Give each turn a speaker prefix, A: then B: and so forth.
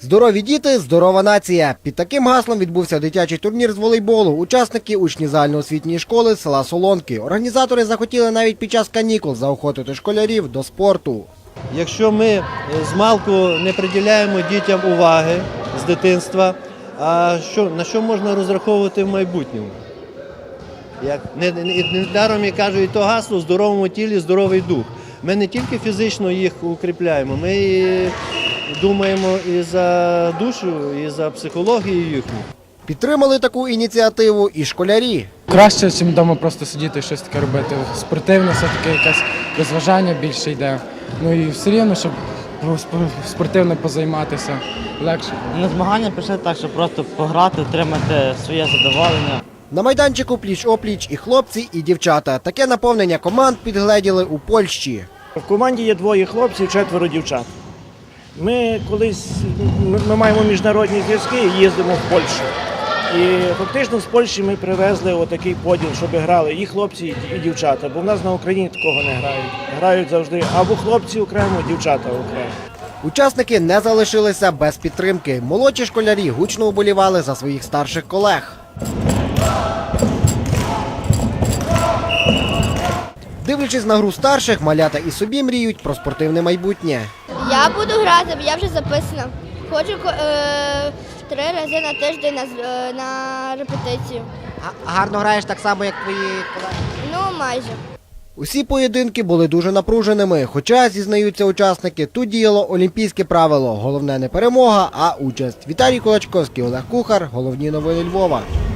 A: Здорові діти – здорова нація. Під таким гаслом відбувся дитячий турнір з волейболу. Учасники – учні загальноосвітньої школи села Солонки. Організатори захотіли навіть під час канікул заохотити школярів до спорту.
B: Якщо ми змалку не приділяємо дітям уваги з дитинства, на що можна розраховувати в майбутньому? Недаром я кажу, і то гасло «В здоровому тілі здоровий дух». Ми не тільки фізично їх укріпляємо, ми і думаємо і за душу, і за психологію їхню.
A: Підтримали таку ініціативу і школярі.
C: Краще, ніж вдома просто сидіти і щось таке робити. Спортивне, все-таки якесь розважання більше йде. Ну і все рівно, щоб спортивно позайматися, легше.
D: На змагання прийшли так, щоб просто пограти, отримати своє задоволення.
A: На майданчику пліч-опліч і хлопці, і дівчата. Таке наповнення команд підгледіли у Польщі.
E: В команді є 2 хлопців, 4 дівчат. Ми маємо міжнародні зв'язки і їздимо в Польщу. І фактично з Польщі ми привезли отакий поділ, щоб грали і хлопці, і дівчата. Бо в нас на Україні такого не грають. Грають завжди або хлопці окремо, дівчата окремо.
A: Учасники не залишилися без підтримки. Молодші школярі гучно уболівали за своїх старших колег. Дивлячись на гру старших, малята і собі мріють про спортивне майбутнє.
F: Я буду грати, я вже записана. Ходжу 3 рази на тиждень на репетицію.
A: Гарно граєш так само, як твої колеги?
F: Ну, майже.
A: Усі поєдинки були дуже напруженими, хоча, зізнаються учасники, тут діяло олімпійське правило. Головне не перемога, а участь. Віталій Кулачковський, Олег Кухар. Головні новини Львова.